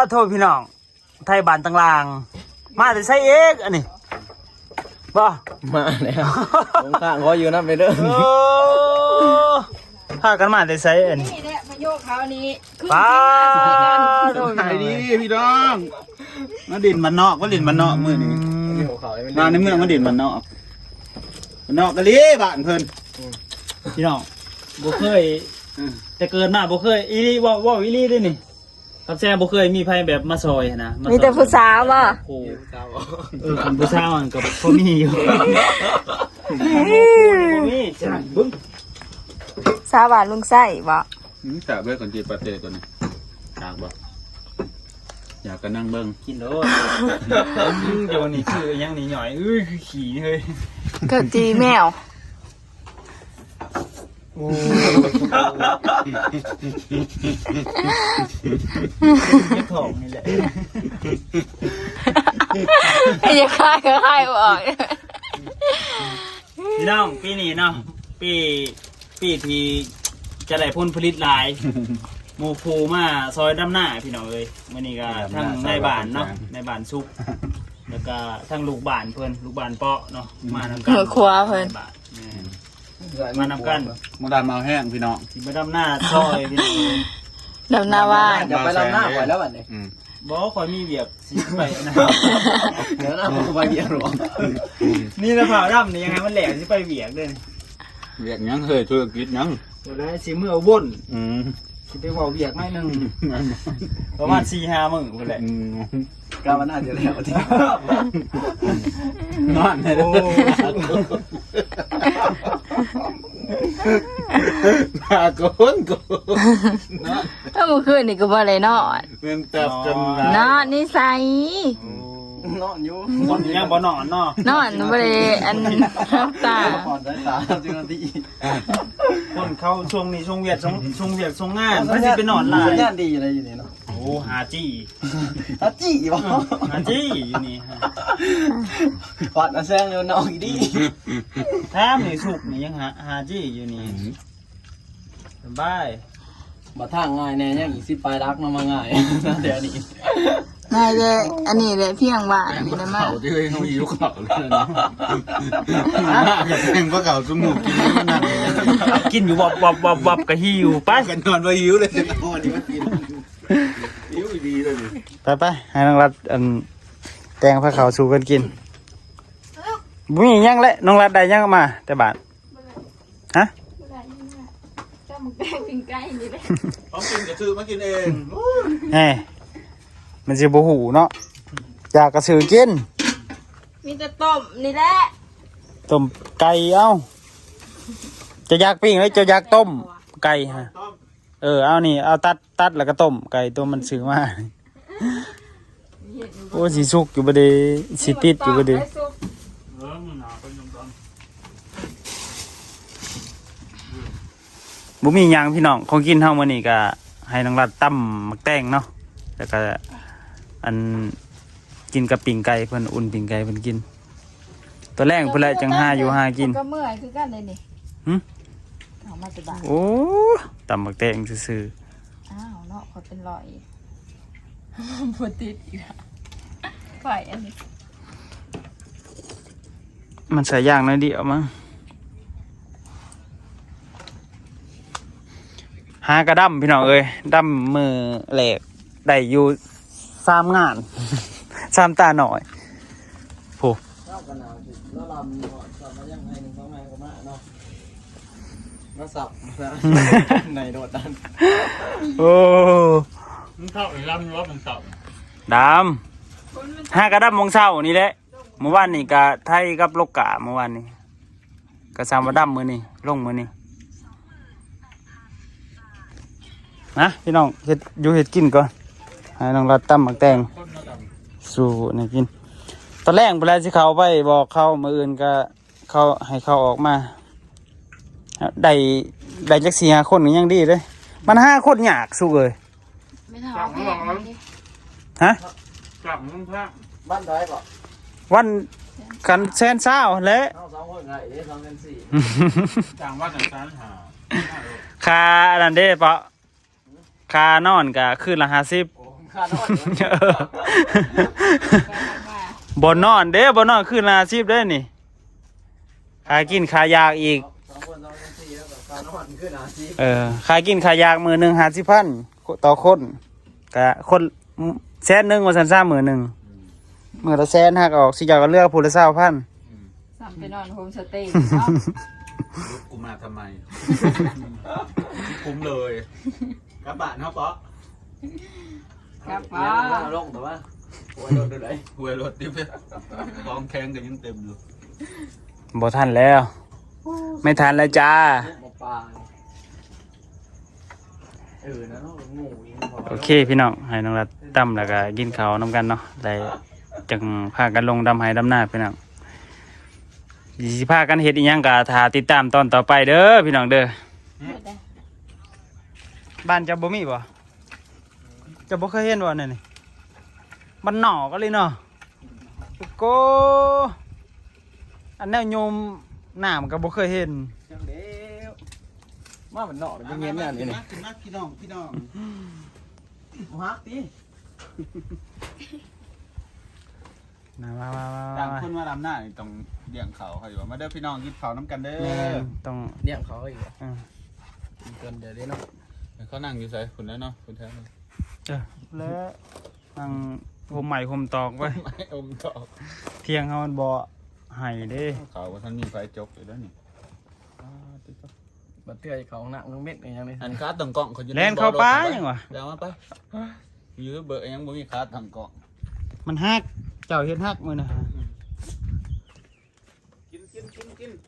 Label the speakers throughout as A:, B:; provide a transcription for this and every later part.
A: โทษพี่น้องไทยบ้านต่างๆมาแต่ใช้เอกอันนี้บ่
B: มาแล้วลงข้างเขาอยู่นั่นไปเด้อ
A: พากันมาแต่ใช้อันนี้
C: นี่แหละพะโยกเขานี้
A: ป้า
D: โอ้ยดีพี่น้องมาดินมันนอกว่าดินมันนอกมือนี้มาในเมืองมาดินมันนอกมันนอกกะลีบ้านเพิ่น
A: พี่น้องบ่เคยแต่เกิดมาบ่เคยอีลี่ว่าอีลี่ด้วยนี่ครับแซ่บ่เคยมีไผแบบมาซอยนะ
C: มีแต่ผู้สาวบ่
A: โอ้คนผู้สาวมันก็บ่มีอยู่บ่มีจังบึ้ง
C: สาวบ้านลุงไส้บ่
D: สาบเลยก่อนจีปาเต้ก่อนนี่อยากบ่อยากก็นั่งเบิ่ง
A: กินโลดเดี๋ยวนี้คือยังนี่หน่อยคือขี้เฮ้ย
C: เกิดจีแมว
A: เก็บของนี่แหละ
C: ไอ้ยังคายก็คายออก
A: พี่น้องปีนี้เนาะปีที่จะได้ผลผลิตหลายหมู่ครูมาซอยดำหน้าพี่น้องเอ้ยมื้อนี้ก็ทั้งในบ้านเนาะในบ้านสุกแล้วก็ทั้งลูกบ้านเพิ่นลูกบ้านเปาะเนาะมานำกัน
C: ครัวเพิ่น
A: มานำกัน
D: มาดามมาแห้งพี่น้อง
A: สิมาดำหน้าซอยพี่น้อง
C: ดำนาว่า
B: อย่าไปลำหน้าก่อนแล้วบัดนี้
A: บ่ขอยมีเวียกสิไปนะ
B: เดี๋ยวหน้าผมไปเยี่ยหรอ
A: นี่นะผ่าดำนี่ยังไงมันแหลกสิไปเวียกเด้อ
D: เรียกยังเคยธุรกิจยัง
A: เดี๋ยวได้สิมื้อเอาบ่น
D: ม
A: สิไปเว้าเวียกหน่อยหนึงประมาณ 4-5 มื้อพุ่นแหละ
B: กาวันหน้าจะแล้วที่
D: นอนเลย
A: โอ้
D: มาโกนนอน
C: ถ้าเมื่อคืนนี่ก็บ่ได้นอน
D: เงินจับจน
C: นอนนิสัย
B: นอนอยู่
A: คนยังบ่นอนเนาะ
C: นอนบ่ได้อันรับตา
B: ผ่อนสายตาจริงที่
A: คนเขาช่วงนี้ช่วงเวียกช่วงงานมันสิไปนอนหลา
B: สั
A: ย
B: ญญาณดีอะไรอยู่นี่เนาะ
A: โอ้หาจี้
B: ฮัจี้บ่
A: หาจี้อยู่นี่ฮะ
B: ผ่อนแซงอยู่นอกอีดี
A: แถมนี่สุกนี่ยังหาจี้อยู่นี่สบาย
B: บ่ทางง่ายแน่ยังอีก10ปลายรักมาง่ายเดี๋ยวนี้
C: ง่ายเลยอันนี้เลยเพียงว่านี่นะมา
D: เขาที่เขาหิวเขาเลยนะอยากแข่งพวกเขาสมุกกินมันนั่น
A: กินอยู่วับกะหิวไป
D: กันนอนไปหิวเลยจะนอนนี่มันกินหิวดีเลยดิ
A: ไปให้น้องรัดแตงผ้าขาวสู่กันกินบุ้ยยังเลยน้องรัดได้ยังมาแต่บาทฮะ
C: ก็มึงแป้งปิ้งไก่นี่เลย
D: เขากินกระซื้อมากินเอง
A: แหมมันสิบ่หูเนาะอยากกระสือกิน
C: มีแต่ต้มนี่แหละ
A: ต้มไก่เอ้าจะอยากปิ้งหรือจะอยากต้มไก่ฮะเอานี่เอาตัดแล้วก็ต้มไก่ตัวมันซื้อมาโอ้สิสุกอยู่บ่ได้สิติดอยู่บ่ได้บ่มีหยังพี่น้องของกินเฮามื้อนี้ก็ให้น้องรัดตำมักแตงเนาะแล้วก็อันกินกับปิ้งไก่เพิ่นอุ่นปิ้งไก่เพิ่นกินตัวแรงเพิ่นแหละจังหาอยู่หากิน
C: ก็เมื่อยคือกันเลยนี่
A: หึ
C: เอามาสบาย
A: โอ้ตำมักแตงซื่อ
C: อ้าวเนาะขอเป็นรอยบ่ติดอีกแล้วไฟอันนี้
A: ๆมันใส่ย่างน้อยเดียวมั้งหากระดำพี่น้องเอ้ยดำมือแหลกได้อยู่3 งาน 3 ตาหน่อยโผ
B: เจ้ากันหนาวแล้วลำสับมายังไง1 2แม่ก็มาเนาะมาสับในโดดดัน
A: โอ้
D: มันเข้าไอ้ลำรถมันเข้า
A: ดำห้ากระดับมงเช้านี่แหละเมื่อวานนี่กะไทยกับโลกกะเมื่อวานนี่กะซามว่าดำมือนี่ลงมือนี่นะพี่น้องเฮ็ดอยู่เฮ็ดกินก่อนให้น้องรัดตั้มหมักแตงสู่นี่กินตอนแรกเวลาที่เขาไปบอกเขามืออื่นก็เขาให้เขาออกมาได้จัก4-5 คนก็ยังดีเลยมัน5 คนยากสู้เลย
C: ไม่ถามไม่ถามดิ
A: ฮะ
D: จับมึงพระ
B: บ้านได้ป่ะ
A: วันกันแซนเศร้าและ
B: เอา2 คนไง2กัน4
D: จังว่าจังสารหา
A: คาอันนั้นเด้ปะคานอนกะคืนละ50
B: ขานอน
A: บ่นอนเด้บ่นอนคืออาชีพเด้นี่ขายกินขายยากอีก
B: 2 คน2 4แล้วก็ขานอนขึ้นอาชีพ
A: ขายกินขายยากมื้อหนึง50,000ต่อคนก็คนแสนหนึงว่าซั่นซ่ามื้อหนึงมื้อละแสนหักออกสิเจ้าก็เลือกผู้ละ20,000
C: สั่งไปนอนโฮมสเตย์เนาะ
D: ลุกกูมาทำไม คุ้มเลยกระบะเนาะป๊อก
C: ครับ
B: แล้
C: ป้าว
B: ลงแต่ว่าโอ้ยโดนดูไหน
D: หวยรถติ๊บกองแข้งกันยังเต็มอยู่
A: บ่ทันแล้ว ไม่ทันแล้วจ้า
B: หมอปลานะเนาะงูอีก
A: โอเคพี่น้องให้น้องรัดดำแล้วก็กินข้าวนำกันเนาะได้จังพากันลงดำไห้ดำหน้าพี่น้องสิพากันเฮ็ดอีหยังก็ถ้าติดตามตอนต่อไปเด้อพี่น้องเด้อบ้านเจ้าบ่มีบ่เจ้าบ่เคยเห็นบ่นั่นนี่บ้านนอกก็เลยเนาะโกอันแนวโยมน้ำก็บ่เคยเห็น
B: จังเด้วมามันเนาะมันเงี้ยเนี่ยนี่
D: ขึ้นมาพี่น้องพี่น้อง
B: ฮักติ
A: มา
D: ต่างคนมาดำหน้านี่ต้องเลี้ยงเขาเขาอยู่ว่ามาเด้อพี่น้องกินข้าวน้ำกันเด้
A: แม่
D: อ
A: ต้อง
B: เลี้ยงเขาอีก
A: อ่า
B: เกินเดี๋ยวนี้เนาะ
D: เขานั่งอยู่ใส่คุณแล้วเนาะคุณแท้เลย
A: แล้วนั่งผมใหม่ผมตอกไว้
D: ไม่อมตอก
A: เที่ยงเฮามันบ่ให้เด้
D: เขาว่าท่านมีไฟจกอยู่แล้วนี่
B: บัดเทื่อเขาหนักมึงเม็ดอย่างนี้
D: อันคาดต่างกล่องเขาอยู่
A: แล่นเข้าป่ายังวะ
D: เดี๋ยวมาไปอยู่เบอร์ยังบ่มีคาดต่างกล่อง
A: มันฮักเจ้าเฮ็ดฮักมื้อนะ
D: กิน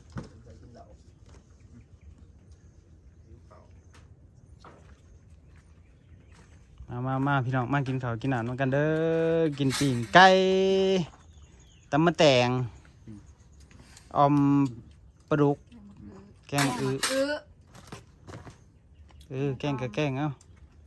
A: มาพี่น้องมากินข้าวกินน้ำนำกันเด้อกินปิ้งไก่ตำมะแตงออมปลาดุกแกงแกงกับแกงเอ้า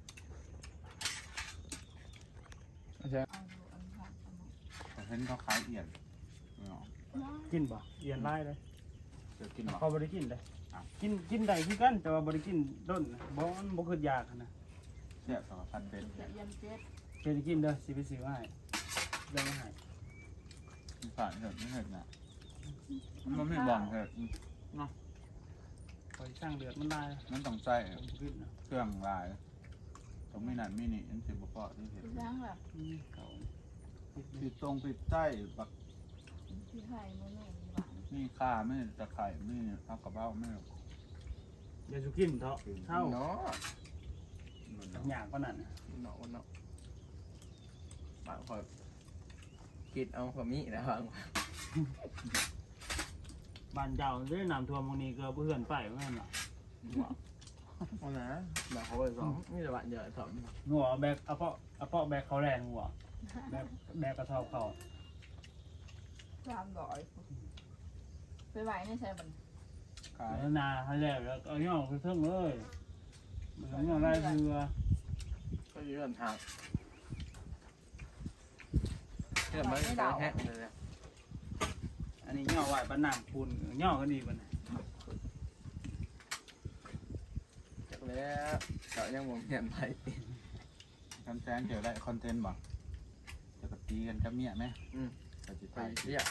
D: เห็นเขาขายเอียน
A: กินบ่เอียนไล่เลย
D: เดี๋ยวกินหรอ
A: เขาบ่ได้กินเลยกินได้คือกันแต่ว่าบ่ได้กินด้นนะบ่คือยากนะ
D: เสียสองพันเป็น
A: เคยกินเด้อสิไปซื้อมาให้เดี๋ยวมาให้
D: ผ่านเถิดไม่เถิดนะมันไม่บ่องเถิด
A: คอยสร้างเดือดมันได้
D: มันต้องใส่
A: ขึ้นนะ
D: เครื่องลายต้องไม่นานไม่นี่อันสิบพอที่เห็น
C: ยังแบบ
A: เขา
D: ปิดตรงปิดใต้บัก
C: ที่ไทยมื้อนึงหวาน
D: นี่ข้าไม่ตะไคร่ไม่เอากระเบ้าไม่
A: อย่าสุกินเถาะเท่า
B: เนาะ
A: อย่างก็นั่น
B: เนาะบางคนคิดเอาความมีนะบาง
A: บ้านเจ้าได้น้ำท่วมบางนี้ก็เพื่อนไปเหมือนกันน่ะ
B: เอานะแบบเขาไปสองนี่จะบ้านเยอะสอง
A: หัวแบกเอาเปาะแบกเขาแรงหัวแบกกระทอบเขา
C: ไปไหวในใช่บัน
D: ขาย
A: แล้วนาให้แล้วแล้วเอาย่องไปเพิ่งเลยมันย่องได้คือ
B: ก็ยืนทางเพื่อนมันไปแฮะเลย
A: อันนี้ย่อไหวบ้านน้ำปูนย่อก็ดีบ้าน
B: จากแล้วเขายังมองเห็นไป
D: คำแจ้งเจอได้คอนเทนต์บ่จะกตีกันกับเมียไหมจะจิต
B: ไป
D: ใจ
B: เรียก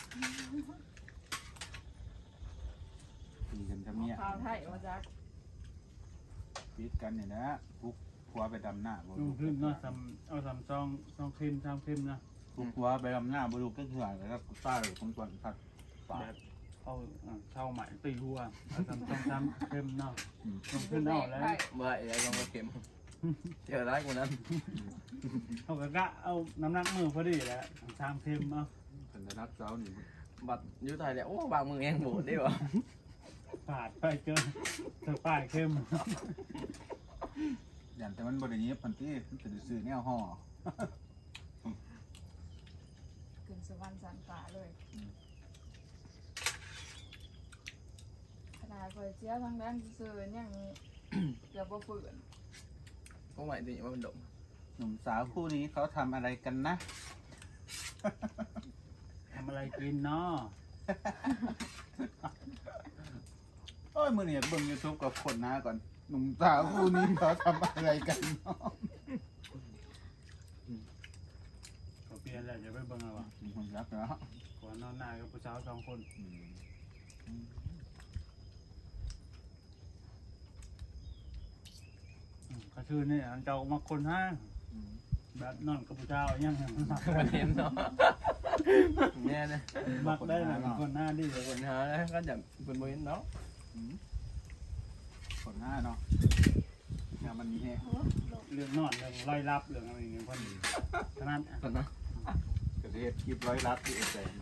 D: ตีกันกับเมีย
C: ข้าวไทยมาจาก
D: ปิดกันเนี่ยนะปุ๊บผัวไปดำหน้า
A: ลงขึ้นเนาะเอาสามซองเค็ม3เค็มนะ
D: ปุ๊บผัวไปดำหน้าบุรุษก็เถื่อนแล้วก็ป้าเลยของส่วนผัดปา
A: แบบเอาเช่าใหม่ตีหัวเอา3เค็มเนาะลงขึ้นเอาแล้ว
B: เมื่อไอ้ลองมาเข็มเจอร้ายกว่านั้น
A: เอากะเอาน้ำหนักมือพอดีแหล้ว3เค็มเอา
D: เป็นนักเจ้านี่
B: บัดยุไทยแล้วโอ้บางมึงเองโบดได้ป่ะ
A: ปาดไปเจอป้ายเค็ม
D: อย่างแต่มันบริเนียบพันที่มันจะซื้อแนวห่อ
C: ขึ้นสวรรค์สันฟ้าเลยขนาดคอยเสียทางด้านซื่อยังเกือบบ่ฝืน
B: ก็หมายถึงว่ามันดม
D: หนุ่มสาวคู่นี้เขาทำอะไรกันนะ
A: ทำอะไรกินเนาะ
D: โอ้ยมือเนี่ยเบิ่งยูทูบกับคนหน้าก่อนหนุ่มสาวคู่นี้เขาทำอะไรกันเนาะ
A: กันแล้วจะไปเบิ่งเอาว่ะ
D: คนรักแล้ว
A: ก่อนนอนหน้ากับผู้สาว2 คนก็คือนี่อันเจ้ามาคนห้างแบบนอนกับผู้สาวยัง
B: มันเห็นเนาะแน่นะ
A: มักได้นะคนหน้าดีเลย
B: คนหาแล้วก็จะเป็นบ่เห็นเนาะ
D: คนหน้าเนาะงานมันมีแฮะ
A: เรื่องนอนเรื่องไล่รับเรื่องอะไรอย่างเงี้ยคนขนาด
B: คนนะ
D: กระเทศคลิปร้อยลัดที่แสง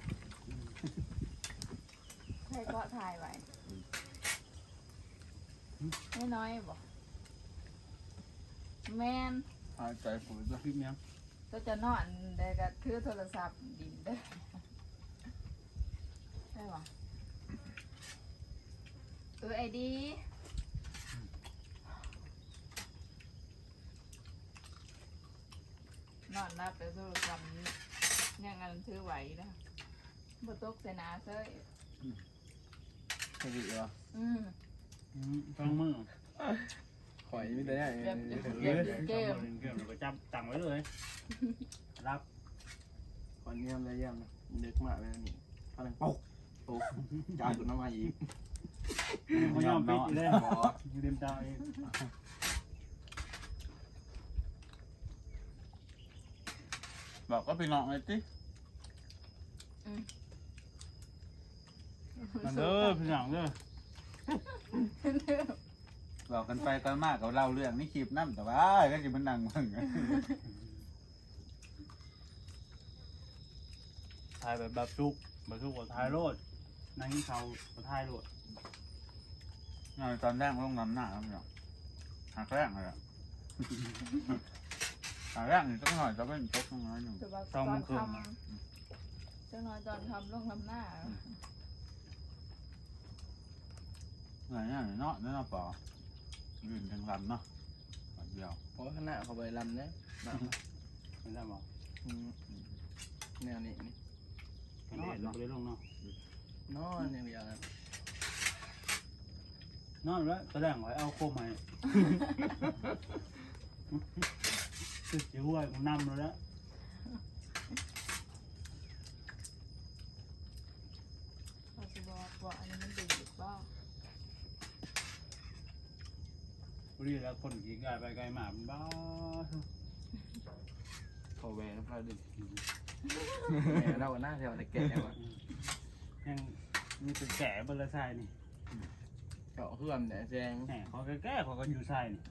C: ใครก็ถ่ายไว้ไม่น้อยบอกแมน
D: หายใจปุ๋ยด้วย
A: คลิปเนี้ย
C: ก็จะนอนได้ก็ถือโทรศัพท์ดินเด้อใช่ปะไอดีนอนนับแต่โทรศัพท์ยังอันถือไหวนะบ่ตกใส่หนาเซ้ย
B: สวิเหรอ
A: ต้องมือ
B: ข่อยมีแต่เนี่ย
A: เกมเราก็จับตังไว้เลยรับ
B: ข่อยเยี่ยมเลยเยี่ยมนึกมากเลยนี่พลังปุ๊กปุ๊กจ่ายตุนน้ำมาอีก
A: ไม่ยอมปิดเลยอยู่ริมตาเอง
D: บอกก็ไปนอนไอ้ติ
A: มันเด้อพี่น้องเด้อ
D: บอกกันไปกันมากกับเล่าเรื่องนี่คลิปนั่นแต่ว่าก็จะมันนั่งมึง
A: ถ่ายแบบชุกกับถ่ายโลดนั่งกินข้าวกับถ่ายโลด
D: ตอนแรกต้องนำหน้าแล้วเนาะหากแรกเลยหากแรกนี่ต้องหน่อยจะเป็นตกน้อยหนึ่ง
C: แต่ว่าตอนทำจังน้อยตอนทำลงทำหน้า
D: เหนื่อยเนี่ยเนาะเนาะปอยืนจังลำเนาะเดียว
B: เพราะข้างหน้าเขาไปลำเนี่ย
A: ไม่ได้บอก
B: แนวนี้นี่
A: กันเด็ดลงไปเลยลงเนาะ
B: นอนอย่างเดียวนะ
A: นอนแล้วแสดงไว้เอาโคมใหม่คือจิ๋วไอ้กูนำแล้ว
C: เขาจะบอกว่าอันนี้มันดึงหรือเปล่า
A: พอดีแล้วคนขี่กายไปไกลมามันบ้า
B: เขาแหวนพาดึงเราหน้าแถวแต่แก่ว่ะ
A: ยังมีเป็นแก่บนละทรายนี่
B: เจาะเพื่อนแต่แจง
A: แหมเขาแก่เขาก็อยู่ทรายนี่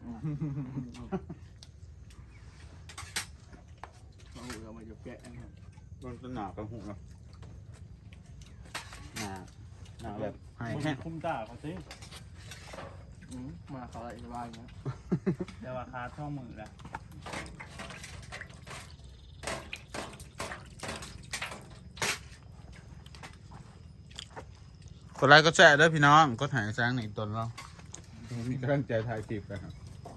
B: เราหูเรามาจะแกะ
D: มันเป็นหนากับหูเนาะหนาแบบให้แห้ง
A: คุ้มตาเขาสิ
B: มาเขาอะไรสบายเงี้ย
A: แต่ว่าขาท่องมือละ
D: กดไลค์ก็แชร์ด้วยพี่น้องก็ถ่ายแซงในตนเรามีกำลังใจถ่ายคลิปนะครับ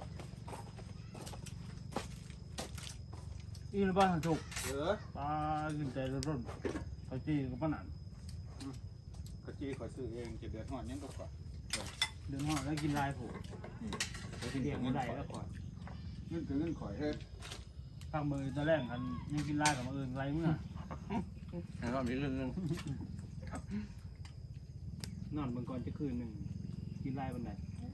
A: อีนบ้านถูก
D: เออ
A: ปลาขึ้นใจร่นเขาจี้กับป้าหนัน
D: กะจีขอซื้อเองจะเดือดหอนยังก็กว่า
A: เดินห้องแล้วกินลายผูกเตียงไม่ได้แล้วก่อน
D: เงินคือเงินข่อยเฮ้ย
A: ข้างมือตะแรกกันยังกินลายกับมืออื่นไรเมื่อ
B: แล้วก็มีเรื่องนึง
A: นอนบางก่อนจะคืนหนึ่งกินลายบันได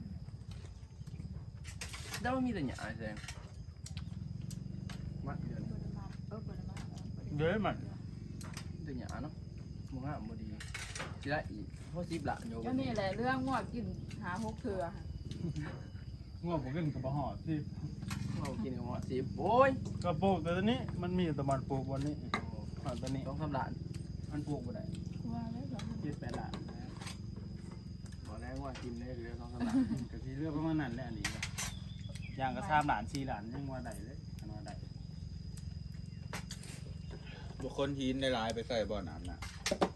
B: แล้วมีแต่หยาแจงมัดเดือน
C: บริมาบริมา
A: เยอะมัน
B: แต่หยาเนาะมึงอ่ะบ่ดีสิได้อีกเพราะซิบละโย
C: ก็นี่แหละเรื่องงวดกินหาหกเถื่อ
A: ง่วงผมกินกับบะหอดที่
B: เรากินกับหมอซิบโอ้ย
A: กระปลูกแต่ตอนนี้มันมีแต่มันปลูกวันนี้ตอนนี้
B: ต้องทำหลาน
A: มันปลูกบ่ได้
C: ว่าแล้วเหรอ
A: 7-8 ล้าน
B: บอกแล้วว่ากินได้คือต้องทำหลาน
A: กะทิเลือกประมาณนั้นแหละอันนี้อย่างกระ3 ล้าน4 ล้านยังว่าได้เลยอันว่าได้
D: บุคคลหินในลายไปใส่บ่อน้ำน่ะ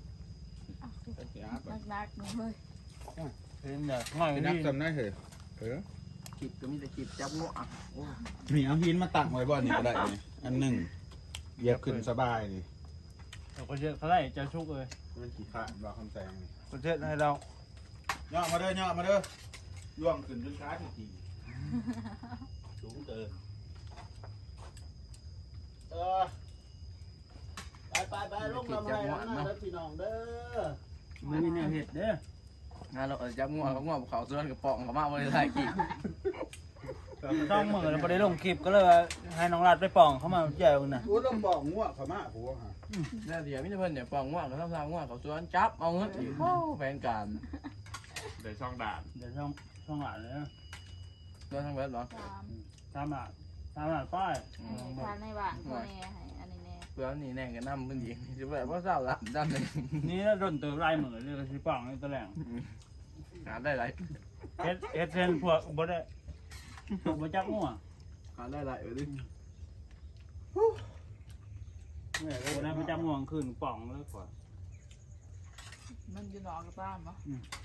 C: นักๆนี่เฮ้ย
A: เห็นเด้อง่อย
D: ไป
A: นี่
D: นับจำได้เหรอเออ
B: กิบก็มีแต่กิบจับงวอ่ะโอ้
D: มีเอาหินมาตั้งไว้บ่อนี่ก็ได้นี่อันหนึ่งเหยียบขึ้นสบายนี่
A: เราก็เยอะเขาได้จะชุกเลย
D: มันขี้ข้านรอคำแซงนี่
A: ก็เยอะให้เรา
D: ย่อมาเด้อย่อมาเด้อย่วงขึ้นจนช้าทีสูงเกิน
B: ลำไส้หน้าแล้วพี่น้องเด้อ
A: มันมีแนวเห็ดเด้อ
B: งานเราจับงัวเขางัวเขาส่วนกระป๋องเขามาบริษัทกี่
A: ต้องมือแล้วบ่ได้ลงคลิปก็เลยว่าให้น้องรัดไปป่องเข้ามาแย่งน่ะ
D: กูต้องบอกงัวเขามาผัวฮะ
B: แล้วเดี๋ยวมิตรเพิ่นเนี่ยป๋องงัวเขาทำงัวเขาส่วนจับเอาเงินอีกโอ้แฟนการ
E: เดี๋ยวช่องด่าน
A: เดี๋ยวช่องหลานเลยนะ
B: โดนทั้งเว็บเหรอ
C: 3
A: 3 บาทป้าย
C: ทานในบ้านพ่อแน่ให้อันนี้แน่
B: เพื่อนนี่แน่กันน้ำเพิ่นอีกจะแบบว่าเศร้าละด้านหนึ่ง
A: นี่โดนเติมลายมือเลยสิป่องนี่ตะแหลง
B: หาได้หลาย
A: เฮ็ดเซนพวกบ่ได้พวกบ่จักงัว
B: หาได้หลายดิ
A: บ่ได้บ่จักงัวขึ้นป่องเลยกว่า
C: มันอยู่นอกกับบ้านบ่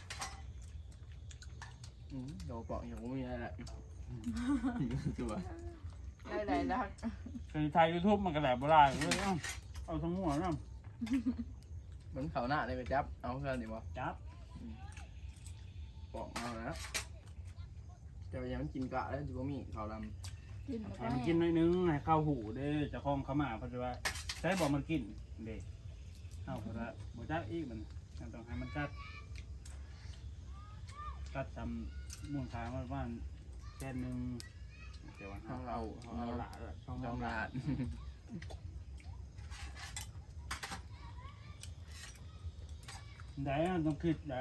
B: โดนป๋องอย่างไม่มีอะไรตัว
C: ได้ๆแล้ว
A: คือไทย YouTube มันก็แหลบบ่ได้เลยเอาทั้งงัวนำ
B: เหมือนเขาหน้าเลยไปจับเอาเพื่อนดิบ่
A: จับ
B: ป๋องเอาแล้วจะไปยังมันกินกะแล้วจิบ่มีเขาด
C: กินแล้ว
A: ให้
C: ก็
A: มันกินหน่อยนึงให้เข้าหูเด้เจ้าของเขามาเพราะว่าใช้บ่มันกินเด้เอาเพราะว่าบ่จักอีกมันต้องให้มันกัดทำม่วงขาวประมาณแค่นึงเดี๋ยว
B: ำของเรา
A: เอาหลาช่อง
B: จอม
A: หลา
B: ราด
A: ได้ต้องคิดได้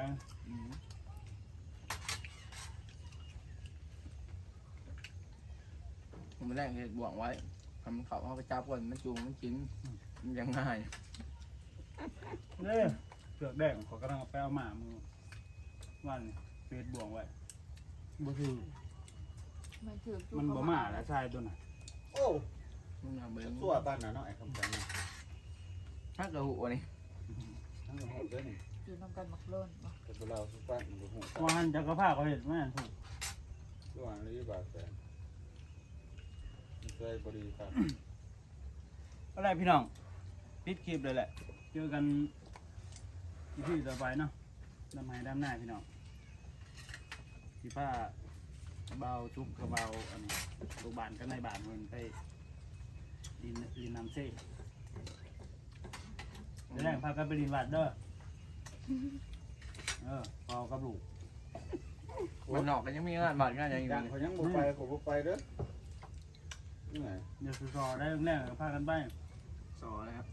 B: ผมไม่แรกเห็ดบ่วงไว้ทำเขาเขาไปจับก่อนมันจูงมันกินมันยังง่าย
A: เด้เสือกแดงขอกำลังไปเอาหมามือวันเฟซบ่วงไว้บ่ถือ
C: มันถือ
A: มันบ่มาแล้วชายตัวน่ะ
D: โอ้
B: มันเอาเบิ้ง
D: ตัวบ้านน่ะเนาะไอ้คำจัง
B: ถ้ากระหูนี่
D: ทั้งหมดเลยนี่
C: อยู่นำกันมักโล้นบ่
D: แต่เราสุปั้นมันหู
A: ว่าหันจักรพรรดิเขาเห็นแม่นถูก
D: ระหว่างนี้บาดแผลใจบริครับ
A: อะไรพี่น้องปิดคลิปเลยแหละเจอกันที่ต่อไปเนาะดำไห้ดำหน้าพี่น้องพี่ป้าเบาจุกกระเบาอันนี้ลูกบ้านก็ในบ้านมันไปดินน้ำเซ่เดี๋ยวแรกพากันไปดินวัดเด้อพอกับลูก
B: มันนอกกันยังมีงานบาดงานยังอยู่
D: ดังเขายังบ่ไปเขาบ่ไปเด้อนี่ไง
A: เดี๋ยวสอได้แรกก็พากันไป
B: สอนะครับ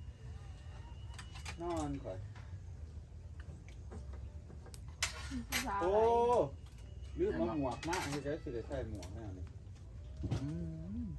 D: นอนก่อน
C: ผู้สาว
D: โอ้
C: อะไร
D: ลืมมาหมวกมากที่จะสิได้ใส่หมวกแน่นี่
B: อืม